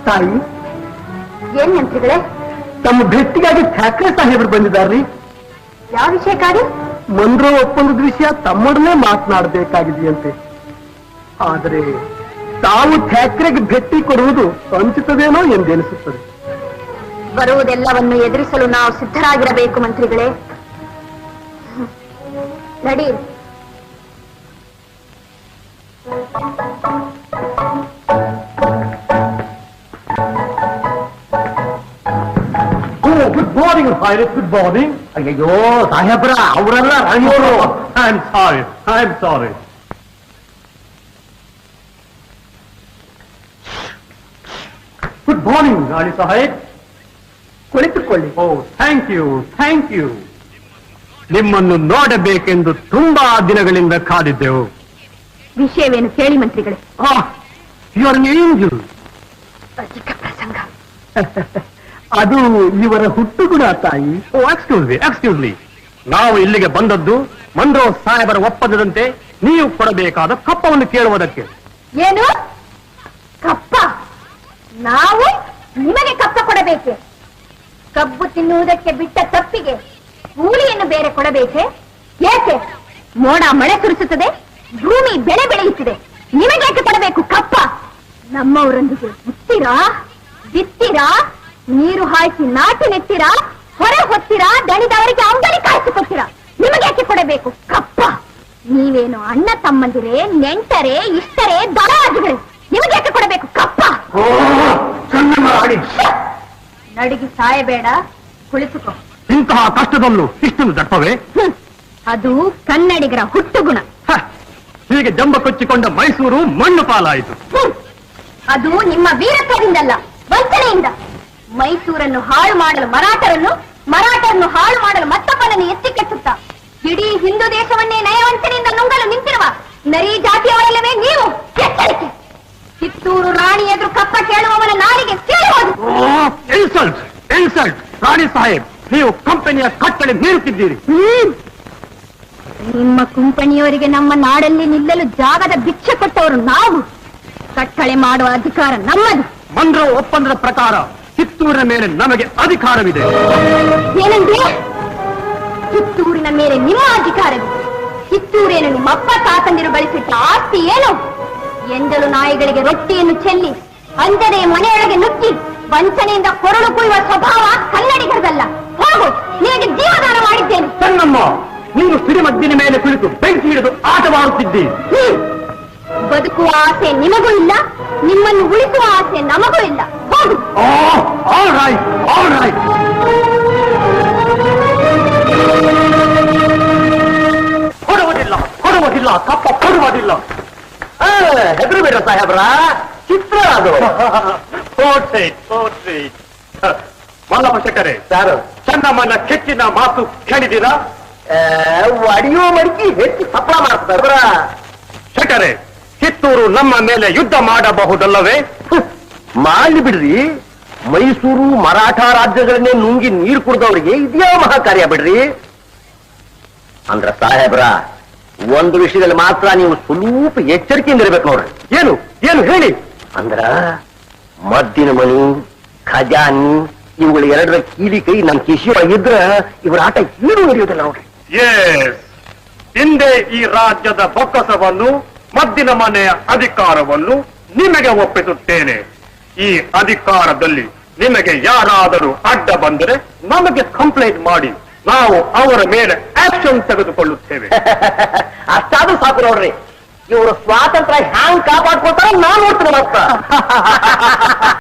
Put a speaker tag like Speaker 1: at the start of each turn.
Speaker 1: ತಾಯಿ,
Speaker 2: ಏನ್ ಮಂತ್ರಿಗಳೇ?
Speaker 1: ತಮ್ಮ ಭೇಟಿಗಾಗಿ ಠಾಕ್ರೆ ಸಾಹೇಬರು ಬಂದಿದ್ದಾರ್ರಿ.
Speaker 2: ಯಾವ ವಿಷಯಕ್ಕಾಗಿ?
Speaker 1: ಮನ್ರೋ ಒಪ್ಪಂದದ ವಿಷಯ ತಮ್ಮೊಡನೆ ಮಾತನಾಡಬೇಕಾಗಿದೆಯಂತೆ. ಆದರೆ ತಾವು ಠಾಕ್ರೆಗೆ ಭೇಟಿ ಕೊಡುವುದು ಸಂಚಿತದೇನೋ ಎಂದೆನಿಸುತ್ತದೆ.
Speaker 2: ಬರುವುದೆಲ್ಲವನ್ನು ಎದುರಿಸಲು ನಾವು ಸಿದ್ಧರಾಗಿರಬೇಕು ಮಂತ್ರಿಗಳೇ. ನಡಿ.
Speaker 1: Good morning pilot, good morning. ಅಯ್ಯೋ ಸಾಹೇಬ್ರ, ಅವರೆಲ್ಲ ರಾಣಿಯವರು. I am sorry. Good morning ರಾಣಿ ಸಾಹೇಬ್. ಕುಳಿತುಕೊಳ್ಳಿ. Oh thank you. ನಿಮ್ಮನ್ನು ನೋಡಬೇಕೆಂದು ತುಂಬಾ ದಿನಗಳಿಂದ ಕಾದಿದ್ದೆವು.
Speaker 2: ವಿಷಯವೇನು ಕೇಳಿ ಮಂತ್ರಿಗಳೇ.
Speaker 1: You are angel.
Speaker 2: ಅಧಿಕ ಪ್ರಸಂಗ.
Speaker 1: ಅದು ಇವರ ಹುಟ್ಟುಗುಣ ತಾಯಿ.
Speaker 3: ಎಕ್ಸ್ಕ್ಯೂಸ್ ಮೀ, ನಾವು ಇಲ್ಲಿಗೆ ಬಂದದ್ದು ಮನ್ರೋ ಸಾಹೇಬರ ಒಪ್ಪಂದದಂತೆ ನೀವು ಕೊಡಬೇಕಾದ ಕಪ್ಪವನ್ನು ಕೇಳುವುದಕ್ಕೆ.
Speaker 2: ಏನು ಕಪ್ಪ? ನಾವು ನಿಮಗೆ ಕಪ್ಪ ಕೊಡಬೇಕೆ? ಕಬ್ಬು ತಿನ್ನುವುದಕ್ಕೆ ಬಿಟ್ಟ ತಪ್ಪಿಗೆ ಕೂಲಿಯನ್ನು ಬೇರೆ ಕೊಡಬೇಕೆ? ಏಕೆ? ಮೋಡ ಮಳೆ ಸುರಿಸುತ್ತದೆ, ಭೂಮಿ ಬೆಳೆ ಬೆಳೆಯುತ್ತಿದೆ, ನಿಮಗೇಕೆ ಕೊಡಬೇಕು ಕಪ್ಪ? ನಮ್ಮವರೊಂದಿಗೆ ಬಿತ್ತೀರಾ, ಬಿತ್ತೀರಾ, ನೀರು ಹಾಯಿಸಿ ನಾಟಿ ನೆತ್ತೀರಾ, ಹೊರ ಹೊತ್ತೀರಾ, ದಣಿದವರಿಗೆ ಅಂಬಲಿ ಕಾಯಿಸಿಕೊಡ್ತೀರಾ, ನಿಮಗೇಕೆ ಕೊಡಬೇಕು ಕಪ್ಪ? ನೀವೇನು ಅಣ್ಣ ತಮ್ಮಂದಿರೇ, ನೆಂಟರೇ, ಇಷ್ಟರೇ, ದರಾಜುಗಳೇ, ನಿಮಗೇಕೆ ಕೊಡಬೇಕು ಕಪ್ಪ? ನಡಿಗೆ ಸಾಯಬೇಡ, ಕುಳಿತುಕೋ.
Speaker 3: ಇಂತಹ ಕಷ್ಟದಲ್ಲೂ ಇಷ್ಟೊಂದು ದಪ್ಪವೇ?
Speaker 2: ಅದು ಕನ್ನಡಿಗರ ಹುಟ್ಟುಗುಣ.
Speaker 3: ಹೀಗೆ ಜಂಬ ಕೊಚ್ಚಿಕೊಂಡ ಮೈಸೂರು ಮಣ್ಣು ಪಾಲಾಯಿತು.
Speaker 2: ಅದು ನಿಮ್ಮ ವೀರತ್ವದಿಂದಲ್ಲ, ವಂಚನೆಯಿಂದ. ಮೈಸೂರನ್ನು ಹಾಳು ಮಾಡಲು ಮರಾಠರನ್ನು ಹಾಳು ಮಾಡಲು ಮತ್ತೊಬ್ಬನನ್ನು ಎತ್ತಿ ಕೆಟ್ಟುತ್ತಾ ಇಡೀ ಹಿಂದೂ ದೇಶವನ್ನೇ ನಯವಂಚನೆಯಿಂದ ನುಂಗಲು ನಿಂತಿರುವ ನರಿ ಜಾತಿಯವರಲ್ಲವೇ ನೀವು? ಎಚ್ಚರಿಕೆ! ಕಿತ್ತೂರು ರಾಣಿ ಎದುರು ಕಪ್ಪ ಕೇಳುವವನ ನಾಲಿಗೆ ಕೇಳುವುದು.
Speaker 3: ಇನ್ಸಲ್ಟ್ ರಾಣಿ ಸಾಹೇಬ್, ನೀವು ಕಂಪನಿಯ ಕಟ್ಟಳೆ ಮೀರುತ್ತಿದ್ದೀರಿ.
Speaker 2: ನಿಮ್ಮ ಕಂಪನಿಯವರಿಗೆ ನಮ್ಮ ನಾಡಲ್ಲಿ ನಿಲ್ಲಲು ಜಾಗದ ಭಿಕ್ಷೆ ಕೊಟ್ಟವರು ನಾವು. ಕಟ್ಟಳೆ ಮಾಡುವ ಅಧಿಕಾರ ನಮ್ಮದು.
Speaker 3: ಮನ್ರೋ ಒಪ್ಪಂದದ ಪ್ರಕಾರ ಕಿತ್ತೂರಿನ ಮೇಲೆ ನಮಗೆ ಅಧಿಕಾರವಿದೆ.
Speaker 2: ಏನಂದ್ರೆ ಕಿತ್ತೂರಿನ ಮೇಲೆ ನಿಮ್ಮ ಅಧಿಕಾರವಿದೆ? ಕಿತ್ತೂರೇನು ನಿಮ್ಮಪ್ಪ ತಾತಂದಿರು ಗಳಿಸಿಟ್ಟ ಆಸ್ತಿ ಏನು? ಎಂದಲು ನಾಯಿಗಳಿಗೆ ರೊಟ್ಟಿಯನ್ನು ಚೆಲ್ಲಿ ಅಂಜನೆ ಮನೆಯೊಳಗೆ ನುಗ್ಗಿ ವಂಚನೆಯಿಂದ ಕೊರಳು ಕುಯ್ಯುವ ಸ್ವಭಾವ ಕನ್ನಡಿಗರದಲ್ಲ. ಹೋಗು, ನಿನಗೆ ಜೀವದಾನ ಮಾಡಿದ್ದೇನೆ.
Speaker 3: ಚೆನ್ನಮ್ಮ, ನೀವು ಸಿಡಿಮದ್ದಿನ ಮೇಲೆ ಕುಳಿತು ಬೆಂಕಿ ಹಿಡಿದು ಆಟವಾಡುತ್ತಿದ್ದೀರಿ.
Speaker 2: ಬದುಕುವ ಆಸೆ ನಿಮಗೂ ಇಲ್ಲ, ನಿಮ್ಮನ್ನು ಉಳಿಸುವ ಆಸೆ ನಮಗೂ ಇಲ್ಲ. ಹೋಗು.
Speaker 3: All right. ಕೊಡುವುದಿಲ್ಲ, ಕಪ್ಪ ಕೊಡುವುದಿಲ್ಲ.
Speaker 1: ಹೆದರು ಬೇಡ ಸಾಹೇಬ್ರ, ಚಿತ್ರ ಅದು.
Speaker 3: ಮಲ್ಲಪ್ಪ ಶೆಟ್ಟರೆ,
Speaker 1: ಯಾರು?
Speaker 3: ಚೆನ್ನಮ್ಮನ ಕೆಚ್ಚಿನ ಮಾತು ಕೇಳಿದ್ದೀರಾ?
Speaker 1: ಅಡಿಯೋ ಮಡಿಕೆ ಹೆಚ್ಚು ಸಫಲ ಮಾಡ್ತಾರ.
Speaker 3: ಶೆಟ್ಟರೆ, ಕಿತ್ತೂರು ನಮ್ಮ ಮೇಲೆ ಯುದ್ಧ ಮಾಡಬಹುದಲ್ಲವೇ?
Speaker 1: ಮಾಡಿ ಬಿಡ್ರಿ. ಮೈಸೂರು ಮರಾಠ ರಾಜ್ಯಗಳನ್ನೇ ನುಂಗಿ ನೀರು ಕುಡಿದವರಿಗೆ ಇದ್ಯಾ ಮಹಾಕಾರ್ಯ ಬಿಡ್ರಿ. ಅಂದ್ರ ಸಾಹೇಬ್ರ, ಒಂದು ವಿಷಯದಲ್ಲಿ ಮಾತ್ರ ನೀವು ಸ್ವಲ್ಪ ಎಚ್ಚರಿಕೆಯಿಂದ ಇರ್ಬೇಕು ನೋಡ್ರಿ.
Speaker 3: ಏನು ಏನು ಹೇಳಿ.
Speaker 1: ಅಂದ್ರ ಮದ್ದಿನ ಮಣಿ, ಖಜಾನಿ ಇವುಗಳ ಎರಡರ ಕೀಲಿ ಕೈ ನಮ್ ಕಿಶಿಯೊಳಗಿದ್ರ ಇವರ ಆಟ ಏನು ನಡೆಯುವುದಿಲ್ಲ ನೋಡ್ರಿ.
Speaker 3: ಹಿಂದೆ ಈ ರಾಜ್ಯದ ಬೊಕ್ಕಸವನ್ನು, ಮದ್ದಿನ ಮನೆಯ ಅಧಿಕಾರವನ್ನು ನಿಮಗೆ ಒಪ್ಪಿಸುತ್ತೇನೆ. ಈ ಅಧಿಕಾರದಲ್ಲಿ ನಿಮಗೆ ಯಾರಾದರೂ ಅಡ್ಡ ಬಂದರೆ ನಮಗೆ ಕಂಪ್ಲೇಂಟ್ ಮಾಡಿ, ನಾವು ಅವರ ಮೇಲೆ ಆಕ್ಷನ್ ತೆಗೆದುಕೊಳ್ಳುತ್ತೇವೆ.
Speaker 1: ಅಷ್ಟಾದ್ರೂ ಸಾಕು ನೋಡ್ರಿ. ಇವರು ಸ್ವಾತಂತ್ರ್ಯ ಹ್ಯಾಂಗ್ ಕಾಪಾಡ್ಕೊಳ್ತಾರ ನಾನು ನೋಡ್ತೀನಿ ಮತ್ತ.